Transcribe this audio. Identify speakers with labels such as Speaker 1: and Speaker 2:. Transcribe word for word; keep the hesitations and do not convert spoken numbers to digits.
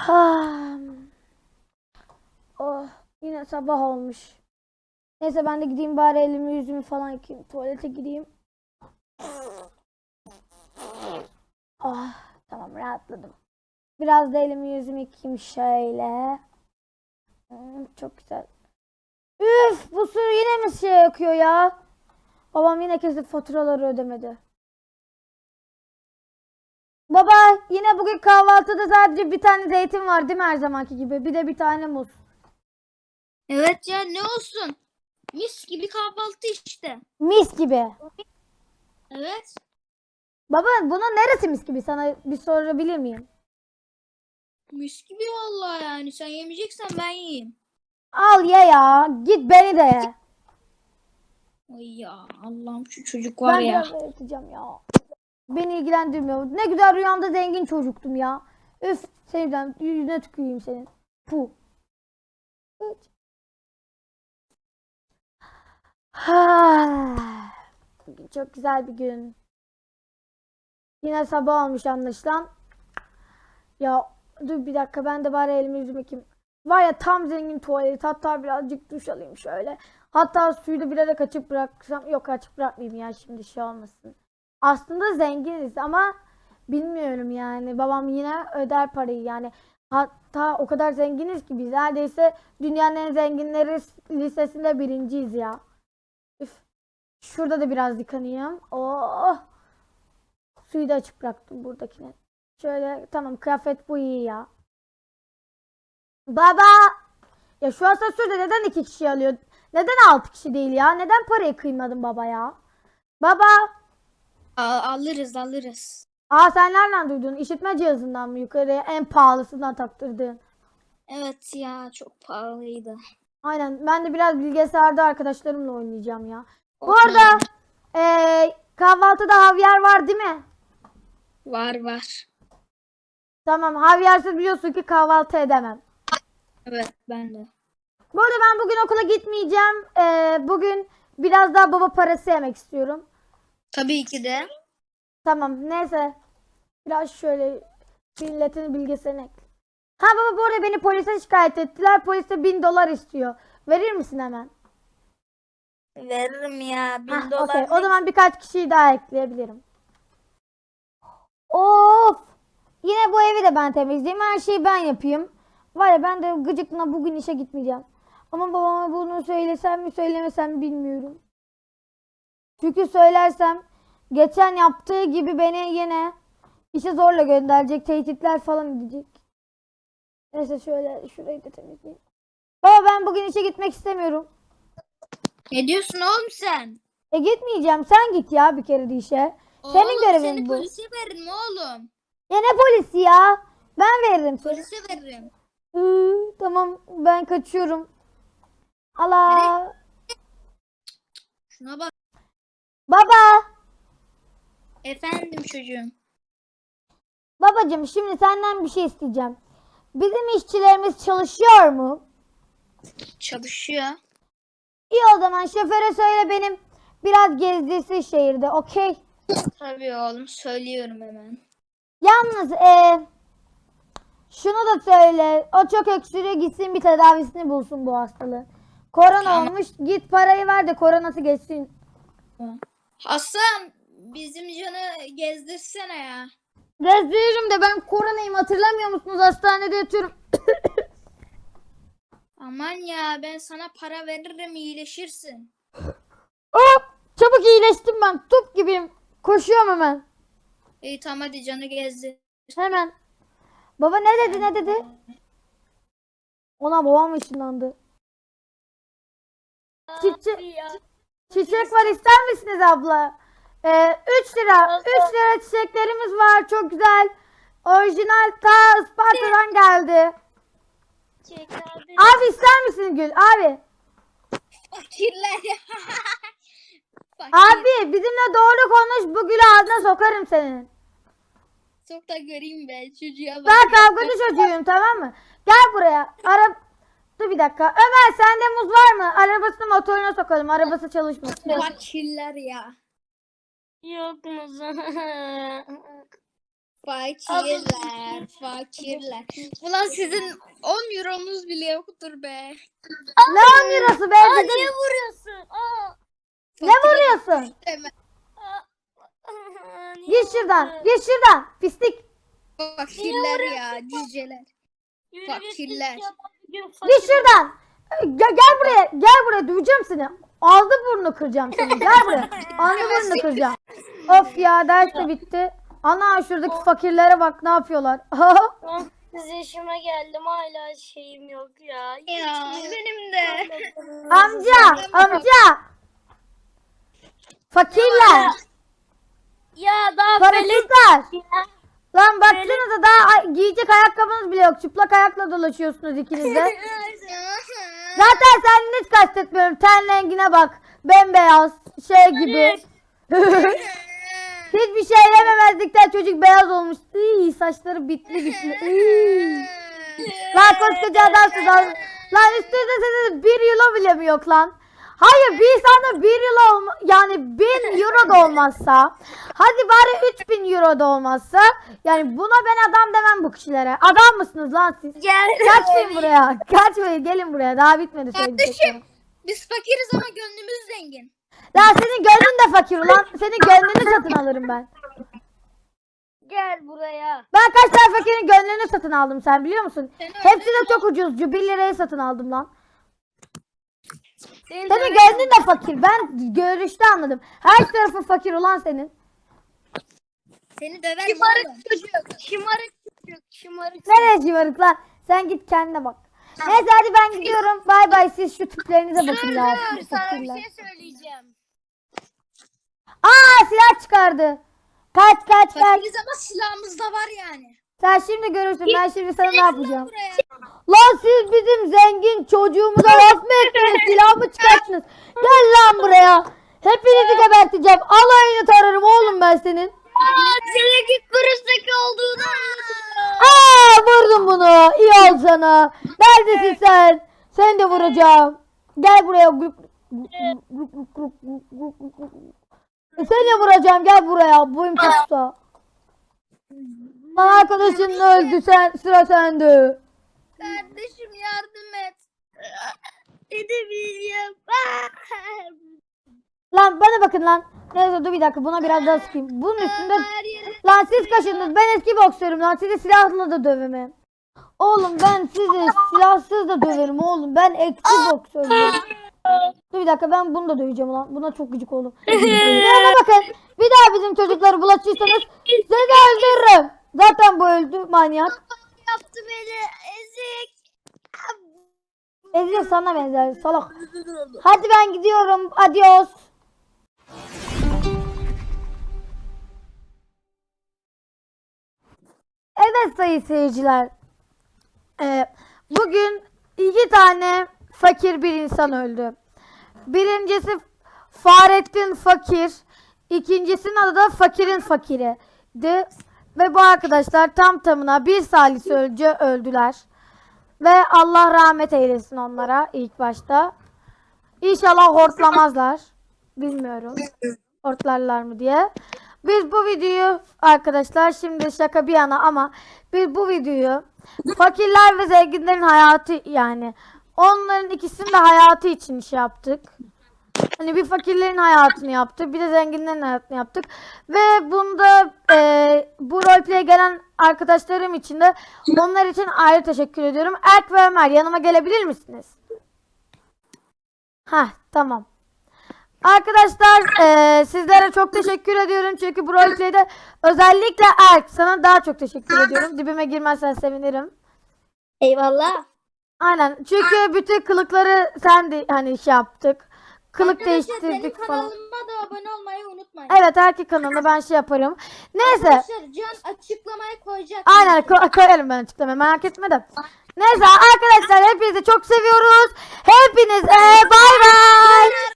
Speaker 1: Ha. Oh, yine sabah olmuş. Neyse ben de gideyim bari elimi yüzümü falan yıkayayım. Tuvalete gideyim. Ah, tamam rahatladım. Biraz da elimi yüzümü yıkayayım şöyle. Hmm, çok güzel. Üf, bu su yine mi şey yakıyor ya? Babam yine kesip faturaları ödemedi. Baba, yine bugün kahvaltıda sadece bir tane zeytin var değil mi her zamanki gibi? Bir de bir tane muz.
Speaker 2: Evet ya, ne olsun? Mis gibi kahvaltı işte.
Speaker 1: Mis gibi.
Speaker 2: Evet.
Speaker 1: Baba, bunun neresi mis gibi, sana bir sorabilir miyim?
Speaker 2: Mis gibi vallahi yani. Sen yemeyeceksen ben yiyeyim.
Speaker 1: Al ye ya. Git beni de ye.
Speaker 2: Ay ya Allah'ım, şu çocuk var
Speaker 1: Ben
Speaker 2: ya.
Speaker 1: biraz da yatacağım ya. Beni ilgilendirmiyor. Ne güzel rüyamda zengin çocuktum ya. Üf, sevden yüzüne tüküreyim senin. Puh. Ha. Bugün çok güzel bir gün. Yine sabah olmuş anlaşılan. Ya dur bir dakika, ben de bari elimi yüzümü yıkayayım. Var ya, tam zengin tuvalet. Hatta birazcık duş alayım şöyle. Hatta suyu da bilerek açık bıraksam. Yok, açık bırakmayayım ya, şimdi şey olmasın. Aslında zenginiz ama bilmiyorum yani. Babam yine öder parayı yani. Hatta o kadar zenginiz ki biz neredeyse dünyanın en zenginleri listesinde birinciyiz ya. Üf. Şurada da biraz yıkanayım. Oh. Suyu da açık bıraktım buradakine. Şöyle tamam, kıyafet bu iyi ya. Baba! Ya şu asansörde neden iki kişi alıyor? Neden altı kişi değil ya? Neden parayı kıymadın baba ya? Baba!
Speaker 2: Al- alırız alırız.
Speaker 1: Aa, sen nereden duydun? İşitme cihazından mı, yukarıya en pahalısından taktırdın?
Speaker 2: Evet ya, çok pahalıydı.
Speaker 1: Aynen, ben de biraz bilgisayarda arkadaşlarımla oynayacağım ya. Bu
Speaker 2: Oyna
Speaker 1: arada
Speaker 2: oyna.
Speaker 1: ee, kahvaltıda havyar var değil mi?
Speaker 2: Var var.
Speaker 1: Tamam, havyarsız biliyorsun ki kahvaltı edemem.
Speaker 2: Evet, ben de.
Speaker 1: Bu arada ben bugün okula gitmeyeceğim. Ee, bugün biraz daha baba parası yemek istiyorum.
Speaker 2: Tabii ki de.
Speaker 1: Tamam, neyse. Biraz şöyle milletin bilgisini ekle. Ha baba, bu arada beni polise şikayet ettiler. Polis de bin dolar istiyor. Verir misin hemen?
Speaker 2: Veririm ya.
Speaker 1: Hah,
Speaker 2: Bin
Speaker 1: okey.
Speaker 2: dolar
Speaker 1: O
Speaker 2: ne ki?
Speaker 1: zaman birkaç kişiyi daha ekleyebilirim. Of! Yine bu evi de ben temizleyeyim. Her şeyi ben yapayım. Var ya, ben de gıcıkla bugün işe gitmeyeceğim. Ama babama bunu söylesem mi söylemesem mi bilmiyorum. Çünkü söylersem geçen yaptığı gibi beni yine işe zorla gönderecek. Tehditler falan edecek. Neyse şöyle şurayı da temizleyeyim. Baba, ben bugün işe gitmek istemiyorum.
Speaker 2: Ne diyorsun oğlum sen?
Speaker 1: E gitmeyeceğim. Sen git ya bir kere de işe. Senin
Speaker 2: Oğlum, seni
Speaker 1: görevin bu.
Speaker 2: polise veririm oğlum.
Speaker 1: Ya ne polisi ya? Ben veririm seni.
Speaker 2: Polise veririm.
Speaker 1: Iı, tamam, ben kaçıyorum.
Speaker 2: Nereye?
Speaker 1: Allah.
Speaker 2: Şuna bak.
Speaker 1: Baba.
Speaker 2: Efendim çocuğum.
Speaker 1: Babacığım, şimdi senden bir şey isteyeceğim. Bizim işçilerimiz çalışıyor mu?
Speaker 2: Çalışıyor.
Speaker 1: İyi, o zaman şoföre söyle benim biraz gezdirsin şehirde, okey?
Speaker 2: Tabii oğlum, söylüyorum hemen.
Speaker 1: Yalnız e, şunu da söyle. O çok öksürüyor, gitsin bir tedavisini bulsun bu hastalığı. Korona
Speaker 2: Tamam.
Speaker 1: olmuş. Git parayı ver de koronası geçsin.
Speaker 2: Hasan, bizim canı gezdirsene ya.
Speaker 1: Gezdiririm de ben koronayım, hatırlamıyor musunuz? Hastanede yatıyorum.
Speaker 2: Aman ya, ben sana para veririm, iyileşirsin.
Speaker 1: Hop! Çabuk iyileştim ben. Top gibiyim. Koşuyorum hemen.
Speaker 2: İyi tamam, hadi canı gezdir.
Speaker 1: Hemen. Baba ne dedi ne dedi? Ona babam ışınlandı. Çiçek, çiçek var, ister misiniz abla? Ee, üç lira. üç lira çiçeklerimiz var. Çok güzel. Orijinal ta Isparta'dan geldi. Abi ister misin gül? Abi.
Speaker 2: Fakirler ya. Fakir.
Speaker 1: Abi bizimle doğru konuş. Bu gülü ağzına sokarım senin.
Speaker 2: Çok da göreyim ben çocuğa bak.
Speaker 1: Ben kavgacı çocuğuyum, tamam mı? Gel buraya. Ara... Dur bir dakika. Ömer, sende muz var mı? Arabasını motoruna sokalım. Arabası çalışmasın.
Speaker 2: Fakirler ya.
Speaker 3: Yok musun?
Speaker 2: Fakirler, fakirler. Ulan sizin on euronuz bile yoktur be.
Speaker 1: Ne on eurosu be?
Speaker 3: Aa,
Speaker 1: Bizim-
Speaker 3: niye vuruyorsun? Aa.
Speaker 1: Ne vuruyorsun?
Speaker 2: Deme.
Speaker 3: Aa, niye
Speaker 1: Git şuradan.
Speaker 3: vuruyorsun?
Speaker 1: Git şuradan. Pislik.
Speaker 2: Fakirler ya, cüceler.
Speaker 3: Yürü git,
Speaker 2: Fakirler.
Speaker 3: git ya, bugün
Speaker 1: Git
Speaker 3: fakir-
Speaker 1: şuradan. Gel, gel buraya. Gel buraya. Duyacağım seni. Ağzı burnunu kıracağım seni. Gel buraya. Ağzı burnunu kıracağım. Of ya, ders de bitti. Ana şuradaki fakirlere bak ne yapıyorlar.
Speaker 3: on sekiz yaşıma geldim hala şeyim yok ya.
Speaker 2: Ya benim de.
Speaker 1: Amca. Amca. Fakirler.
Speaker 3: Ya daha böyle
Speaker 1: Parasızlar. Lan baksanıza daha ay- giyecek ayakkabınız bile yok. Çıplak ayakla dolaşıyorsunuz ikiniz de. Zaten sen hiç kastetmiyorum. Ten rengine bak. Bembeyaz. Şey gibi. Hiçbir şey yememezlikten çocuk beyaz olmuş. İy, saçları bitli bitli. İy. Lan koskoca adamsın lan. Lan üstünde senin bir euro bile mi yok lan? Hayır, bir insanda bir euro olma, yani bin euro da olmazsa, hadi bari üç bin euro da olmazsa, yani buna ben adam demem bu kişilere. Adam mısınız lan siz?
Speaker 3: gel.
Speaker 1: Kaçmayın buraya. Kaçmayın, gelin buraya. Daha bitmedi söyleyeceklerim.
Speaker 2: Kardeşim, biz fakiriz ama gönlümüz zengin.
Speaker 1: Lan senin gönlün de fakir ulan. Senin gönlünü satın alırım ben.
Speaker 3: Gel buraya.
Speaker 1: Ben kaç tane fakirin gönlünü satın aldım, sen biliyor musun?
Speaker 2: Sen
Speaker 1: Hepsi de çok ucuzcu. bir liraya satın aldım lan.
Speaker 3: Seni
Speaker 1: Senin
Speaker 3: döverim.
Speaker 1: gönlün de fakir. Ben görüşte anladım. Her tarafı fakir olan senin.
Speaker 2: Seni döverim oğlum.
Speaker 3: Şımarık çocuk. Şımarık çocuk. Şımarık.
Speaker 1: Nereye şımarık lan? Sen git kendine bak. Neyse hadi ben gidiyorum. Bay bay, siz şu tiplerinize bakın ya.
Speaker 3: Dur,
Speaker 1: siz
Speaker 3: sana bir
Speaker 1: fakirler.
Speaker 3: şey söyleyeceğim.
Speaker 1: Aa, silah çıkardı. Kaç kaç kaç.
Speaker 2: Fakiriz ama silahımız da var yani.
Speaker 1: Sen şimdi görürsün. Ben şimdi sana ne yapacağım.
Speaker 2: Buraya.
Speaker 1: Lan siz bizim zengin çocuğumuza laf mı ettiniz? Silah mı çıkarttınız? Gel lan buraya. Hepinizi geberteceğim. Alayını tararım oğlum ben senin.
Speaker 3: Aa, senin git kuruştaki olduğunu anladım.
Speaker 1: Aa, vurdum bunu. İyi ol sana. Neredesin sen? Seni de vuracağım. Gel buraya. Seni de vuracağım. Gel buraya. Boyum çok kısa. Lan arkadaşın öldü. Sen, sıra sende.
Speaker 2: Kardeşim yardım et.
Speaker 3: Edemeyeceğim.
Speaker 1: Lan bana bakın lan. Neyse dur bir dakika, buna biraz daha sıkayım. Bunun üstünde...
Speaker 2: Her yere.
Speaker 1: Lan siz kaşındınız. Ben eski boksörüm lan. Sizi silahla da dövemem. Oğlum ben sizi silahsız da döverim oğlum. Ben eski boksörüm. Dur bir dakika, ben bunu da döveceğim lan. Buna çok gıcık oldum. Bana bakın. Bir daha bizim çocukları bulaşırsanız sizi öldürürüm. Zaten bu öldü manyak.
Speaker 3: Yaptı beni. Ezik.
Speaker 1: Ezio sana benzer salak. Hadi ben gidiyorum. Adios. Evet sayın seyirciler. Ee, bugün iki tane fakir bir insan öldü. Birincisi Fahrettin Fakir. İkincisinin adı da Fakirin Fakiri'di. Ve bu arkadaşlar tam tamına bir salise önce öldüler. Ve Allah rahmet eylesin onlara ilk başta. İnşallah hortlamazlar. Bilmiyorum. Hortlarlar mı diye. Biz bu videoyu arkadaşlar, şimdi şaka bir yana ama biz bu videoyu fakirler ve zenginlerin hayatı, yani onların ikisinin de hayatı için şey yaptık. Hani bir fakirlerin hayatını yaptık, bir de zenginlerin hayatını yaptık. Ve bunda e, bu roleplay'e gelen arkadaşlarım için de onlar için ayrı teşekkür ediyorum. Erk ve Ömer, yanıma gelebilir misiniz? Heh, tamam. Arkadaşlar e, sizlere çok teşekkür ediyorum. Çünkü bu roleplay'de özellikle Erk, sana daha çok teşekkür ediyorum. Dibime girmezsen sevinirim.
Speaker 3: Eyvallah.
Speaker 1: Aynen. Çünkü bütün kılıkları sen de hani şey yaptık. Kılık
Speaker 2: Arkadaşlar benim
Speaker 1: değiştirdik falan.
Speaker 2: kanalıma da abone olmayı unutmayın.
Speaker 1: Evet, erkek kanalında ben şey yaparım. Neyse.
Speaker 2: Arkadaşlar Can açıklamaya koyacak.
Speaker 1: Aynen ko- koyarım ben açıklamayı, merak etme de. Neyse arkadaşlar, hepinizi çok seviyoruz. Hepinize bay bay.